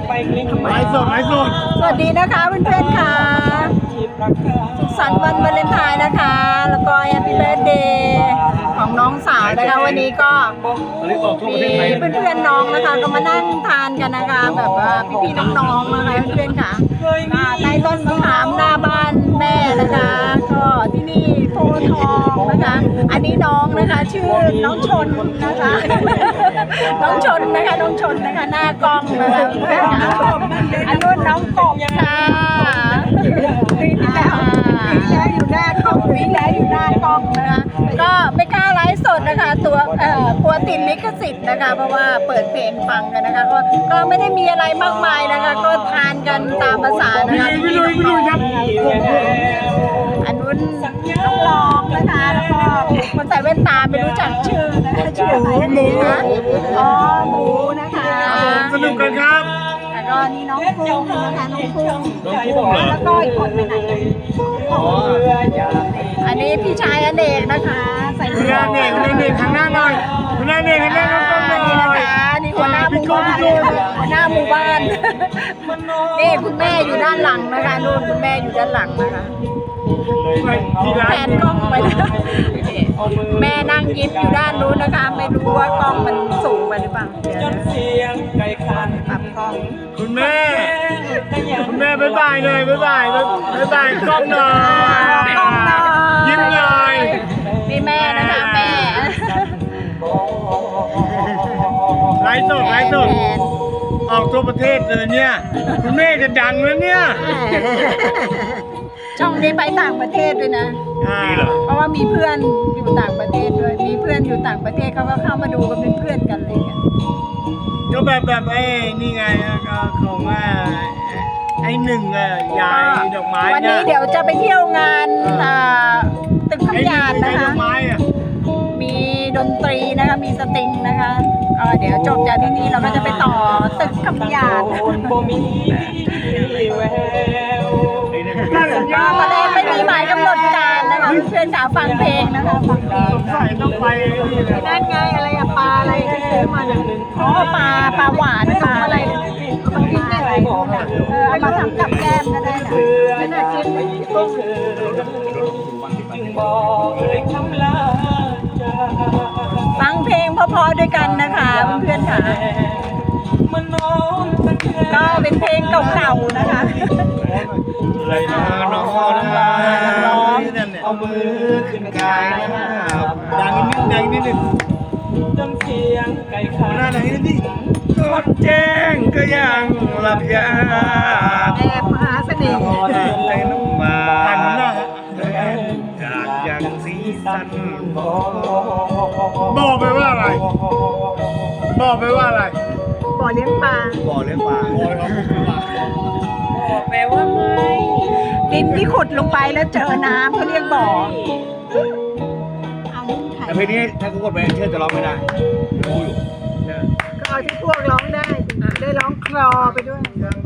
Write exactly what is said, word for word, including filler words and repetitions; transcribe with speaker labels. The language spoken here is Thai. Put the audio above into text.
Speaker 1: ไลฟ์สดไลฟ์สด
Speaker 2: สวัสดีนะคะเพื่อนๆค่ะสุขสันต์วันวาเลนไทน์นะคะ แล้วก็แฮปปี้เบิร์ธเดย์ของน้องสาวนะคะวันนี้ก็มีเพื่อนๆน้องนะคะก็มานั่งทานกันนะคะแบบว่าพี่ๆน้องๆนะคะเพื่อนๆค่ะใต้ต้นมะขามหน้าบ้านแม่นะคะก็ที่นี่โพธิ์ทองนะคะอันนี้น้องนะคะชื่อน้องชนนะคะน้องชนนะคะน้องชนนะคะหน้ากล้องนะคะอันนู้นน้องกบค่ะปีที่แล้วปีที่แล้วอยู่หน้ากล้องปีที่แล้วอยู่หน้ากล้องนะคะก็ไม่กล้าไลฟ์สดนะคะตัวเอ่อกลัวติดลิขสิทธิ์นะคะเพราะว่าเปิดเพลงฟังกันนะคะก็ก็ไม่ได้มีอะไรมากมายนะคะก็ทานกันตามภาษานะคะพี่น้องอันนู้นน้องรองนะคะแล้วก็คนใส่แว่นตาไม่รู้จักชื่อนะคะชื่ออะไรหมูนะอ๋อหมูนะคะ
Speaker 1: สนุกกันครับ
Speaker 2: แล้วก็นี่น้องกุ้งนะคะน้องกุ้งแล้วก็อีกคนไปไหนอันนี้พี่ชายอเนกนะคะใส่หมวก
Speaker 1: อเนกอเนกทางหน้าหน่อยทางหน้าเนกทางหน้าน้องกุ้งหน่อย
Speaker 2: นี่หัวหน้าหมู่บ้านหัวหน้าหมู่บ้านนี่คุณแม่อยู่ด้านหลังนะคะนู่นคุณแม่อยู่ด้านหลังนะคะแผนกล้องไปนะแม่นั่งยิ้มอยู่ด้านนู้นนะคะไม่รู้ว่ากล้องมันสูงไปหรือเปล่าเดี๋ยวปรับกล้อง
Speaker 1: คุณแม่คุณแม่บ๊ายบายเลยบ๊ายบายบ๊ายบายกล้องหน่อยยิ้มหน่อย
Speaker 2: นี่แม่นะคะแม่
Speaker 1: ไลฟ์สดไลฟ์สดออกทั่วประเทศเลยเนี่ยคุณแม่จะดังแล้วเนี่ย
Speaker 2: ช่องนี้ไปต่างประเทศด้วยนะเพราะว่ามีเพื่อนอยู่ต่างประเทศด้วยมีเพื่อนอยู่ต่างประเทศเขาก็เข้ามาดูกันเป็นเพื่อนกันเลยกัน
Speaker 1: ก็แบบแบบไอ้นี่ไงก็ของว่าไอ้หนึ่งอ่ะยายดอกไม้
Speaker 2: วันนี้เดี๋ยวจะไปเที่ยวงานตึกคำหยาดนะคะมีดนตรีนะคะมีสตริงนะคะเดี๋ยวจบจากที่นี่เราก็จะไปต่อตึกคำหยาดก็ตอนแรกไม่มีหมายกำหนดการนะคะเพื่อนสาวฟังเพลงนะคะฟังเพลง
Speaker 1: ใส่ต้องไป
Speaker 2: นั่นไงอะไรอะปลาอะไรที่ซื้อมาเนี่ยอ๋อปลาปลาหวานปลาอะไรมันกินได้หลายคนอ่ะเออเอามาทำกับแก้มก็ได้นะไม่น่ากินฟังเพลงเพอๆด้วยกันนะคะเพื่อนๆค่ะก็เป็นเพลงเก่าๆนะคะ
Speaker 1: อะไรนะน้องนะร้องเอามือขึ้นกายนะครับดังนิดดังนิดหนึ่งจนเสียงไก่ขาหน้าไหนนี่คนแจ้งก็ยังหลับยา
Speaker 2: แอบมหาเสน่ห์
Speaker 1: ใจน้องมาจากยังสีสันบอกไปว่าอะไรบอกไปว่าอะไร
Speaker 2: บ่อเลี้ยงปลา
Speaker 1: บ่อเลี้ยงปลา
Speaker 2: แปลว่าไม่ดินที่ขุดลงไปแล้วเจอน้ำเขาเรียกบ่อ
Speaker 1: แต่เพลงนี้ถ้ากูกดไปเชื่อจะร้องไม่ได้รู้อยู่
Speaker 2: ก็เอาที่พวกร้องได้ได้ร้องคลอไปด้วย